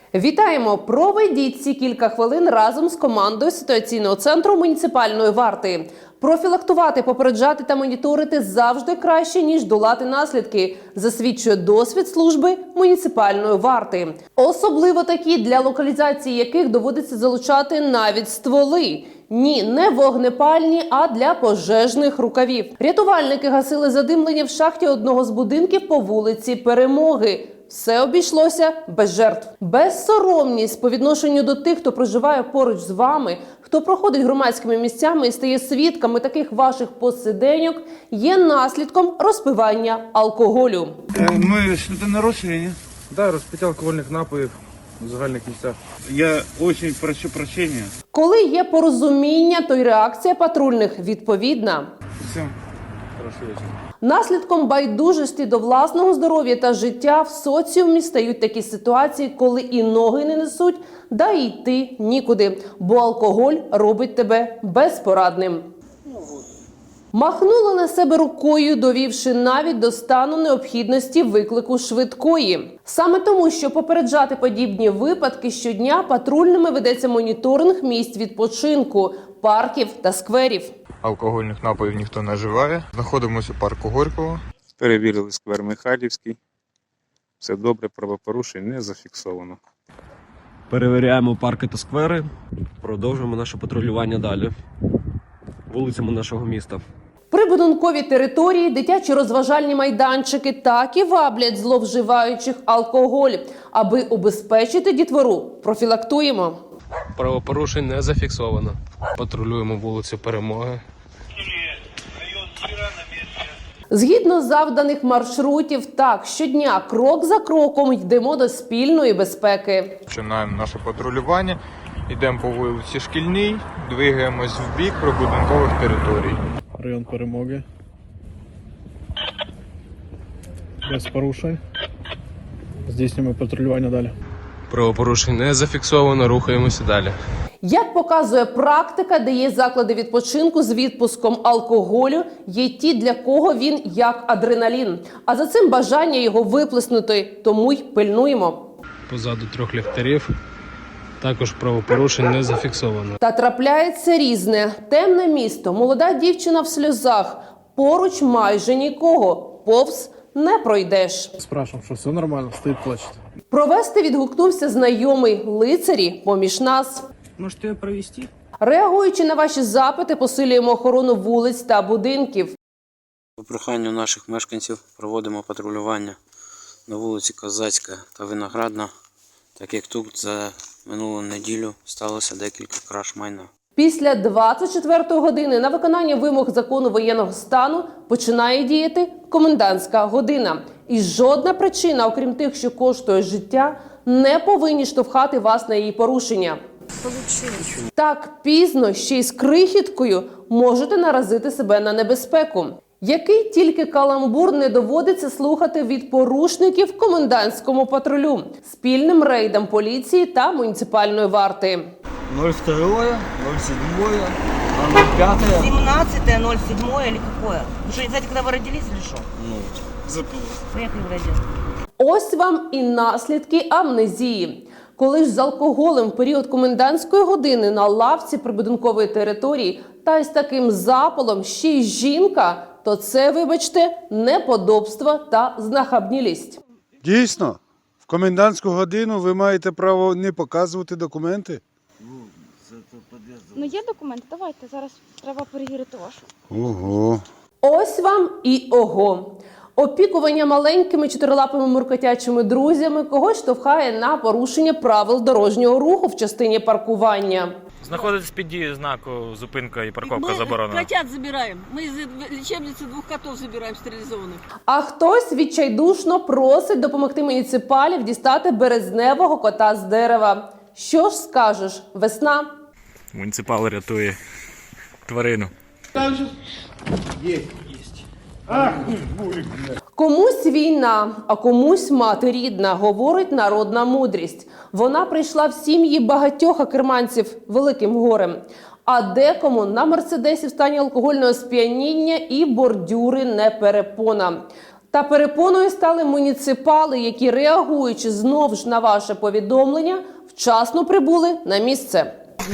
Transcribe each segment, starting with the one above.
Вітаємо! Проведіть ці кілька хвилин разом з командою ситуаційного центру муніципальної варти. Профілактувати, попереджати та моніторити завжди краще, ніж долати наслідки, засвідчує досвід служби муніципальної варти. Особливо такі, для локалізації яких доводиться залучати навіть стволи. Ні, не вогнепальні, а для пожежних рукавів. Рятувальники гасили задимлення в шахті одного з будинків по вулиці Перемоги. Все обійшлося без жертв. Безсоромність по відношенню до тих, хто проживає поруч з вами, хто проходить громадськими місцями і стає свідками таких ваших посиденьок, є наслідком розпивання алкоголю. Ми щось нарушили, ні? Да, розпиття алкогольних напоїв у загальних місцях. Я дуже прошу прощення. Коли є порозуміння, то й реакція патрульних відповідна. Все. Хороший вечір. Наслідком байдужості до власного здоров'я та життя в соціумі стають такі ситуації, коли і ноги не несуть, да й йти нікуди, бо алкоголь робить тебе безпорадним. Махнула на себе рукою, довівши навіть до стану необхідності виклику швидкої. Саме тому, що попереджати подібні випадки щодня, патрульними ведеться моніторинг місць відпочинку, парків та скверів. Алкогольних напоїв ніхто не вживає. Знаходимося у парку Горького. Перевірили сквер Михайлівський. Все добре, правопорушень не зафіксовано. Перевіряємо парки та сквери. Продовжуємо наше патрулювання далі вулицями нашого міста. Прибудинкові території, дитячі розважальні майданчики так і ваблять зловживаючих алкоголь. Аби убезпечити дітвору, профілактуємо. Правопорушень не зафіксовано. Патрулюємо вулицю Перемоги. Згідно завданих маршрутів, так, щодня, крок за кроком йдемо до спільної безпеки. Починаємо наше патрулювання. Йдемо по вулиці Шкільній, двигаємось в бік прибудинкових територій. Район Перемоги. Без порушень. Здійснюємо патрулювання далі. Правопорушень не зафіксовано, рухаємося далі. Як показує практика, де є заклади відпочинку з відпуском алкоголю, є ті, для кого він як адреналін. А за цим бажання його виплеснути, тому й пильнуємо. Позаду 3 ліхтарів. Також правопорушень не зафіксовано. Та трапляється різне. Темне місто, молода дівчина в сльозах. Поруч майже нікого. Повз не пройдеш. Спрашиваем, що все нормально, стоїть плачет. Провести відгукнувся знайомий. Лицарі поміж нас. Можете провести? Реагуючи на ваші запити, посилюємо охорону вулиць та будинків. По проханню наших мешканців проводимо патрулювання на вулиці Козацька та Виноградна, так як тут за минулу неділю сталося декілька краж майна. Після 24-ї години на виконання вимог закону воєнного стану починає діяти комендантська година. І жодна причина, окрім тих, що коштує життя, не повинні штовхати вас на її порушення. Так пізно, ще й з крихіткою, можете наразити себе на небезпеку. Який тільки каламбур не доводиться слухати від порушників комендантському патрулю, спільним рейдам поліції та муніципальної варти. 02, 07, 05. 17, 07 или какое? Вы что, не знаете, когда вы родились или что? Ну, забыл. Поехали в радио. Ось вам і наслідки амнезії. Коли ж з алкоголем в період комендантської години на лавці прибудинкової території та із таким запалом ще й жінка, то це, вибачте, неподобство та знахабнілість. Дійсно, в комендантську годину ви маєте право не показувати документи. Ну є документи, давайте, зараз треба перевірити вашу. Ого. Ось вам і ого. Опікування маленькими чотирилапими муркотячими друзями когось штовхає на порушення правил дорожнього руху в частині паркування. Знаходитесь під дією знаку «Зупинка і парковка заборонена». Мы котят забираем. Мы из лечебницы 2 котов забираем стерилизованных. А хтось відчайдушно просить допомогти муніципалів дістати березневого кота з дерева. Що ж скажеш, весна? Муніципал рятує тварину. Комусь війна, а комусь мати рідна, говорить народна мудрість. Вона прийшла в сім'ї багатьох акерманців великим горем. А декому на мерседесі в стані алкогольного сп'яніння і бордюри не перепона. Та перепоною стали муніципали, які, реагуючи знов ж на ваше повідомлення, вчасно прибули на місце.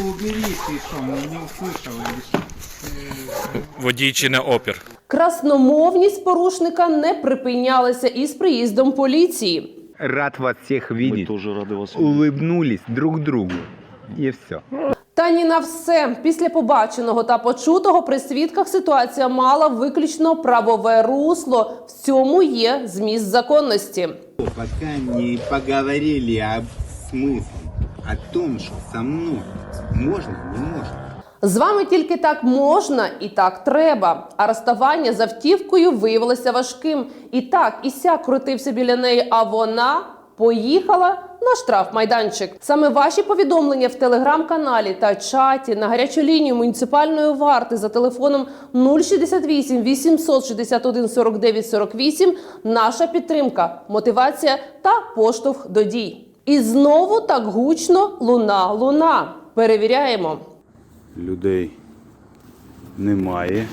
Водій чи не опір. Красномовність порушника не припинялася із приїздом поліції. Рад вас всех видеть. Мы тоже рады вас видеть. Улыбнулись друг другу. И все. Та ні на все. Після побаченого та почутого при свідках ситуація мала виключно правове русло. В цьому є зміст законності. Пока не поговорили об смысле, о том, что со мной можно, не можно. З вами тільки так можна і так треба. А розставання з автівкою виявилося важким. І так, і сяк крутився біля неї, а вона поїхала на штрафмайданчик. Саме ваші повідомлення в телеграм-каналі та чаті на гарячу лінію муніципальної варти за телефоном 068 861 49 48 – наша підтримка, мотивація та поштовх до дій. І знову так гучно луна. Перевіряємо. Людей немає.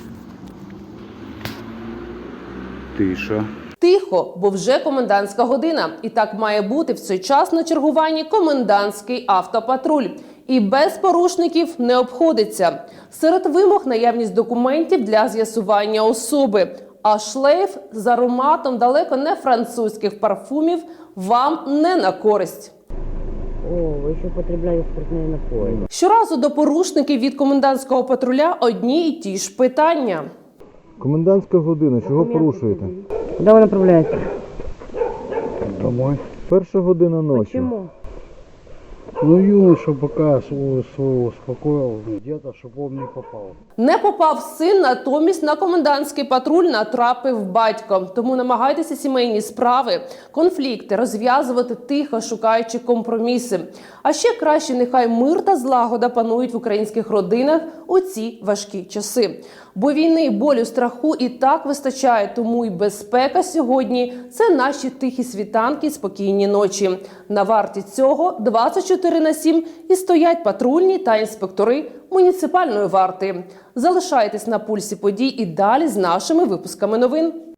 Тиша. Тихо, бо вже комендантська година. І так має бути в цей час на чергуванні комендантський автопатруль. І без порушників не обходиться. Серед вимог наявність документів для з'ясування особи. А шлейф з ароматом далеко не французьких парфумів вам не на користь. О, вы еще употребляли спиртные напои. Щоразу до порушників від комендантського патруля одні й ті ж питання. Комендантська година, чого порушуєте? Куда вы направляетесь? Домой. Перша година ночі. Почему? Ну, юноша пока свого успокоил, где-то, щоб он не попав. Не попав син, натомість на комендантський патруль натрапив батько. Тому намагайтеся сімейні справи, конфлікти розв'язувати тихо, шукаючи компроміси. А ще краще нехай мир та злагода панують в українських родинах у ці важкі часи. Бо війни, болю, страху і так вистачає, тому й безпека сьогодні – це наші тихі світанки, спокійні ночі. На варті цього 24/7 і стоять патрульні та інспектори муніципальної варти. Залишайтесь на пульсі подій і далі з нашими випусками новин.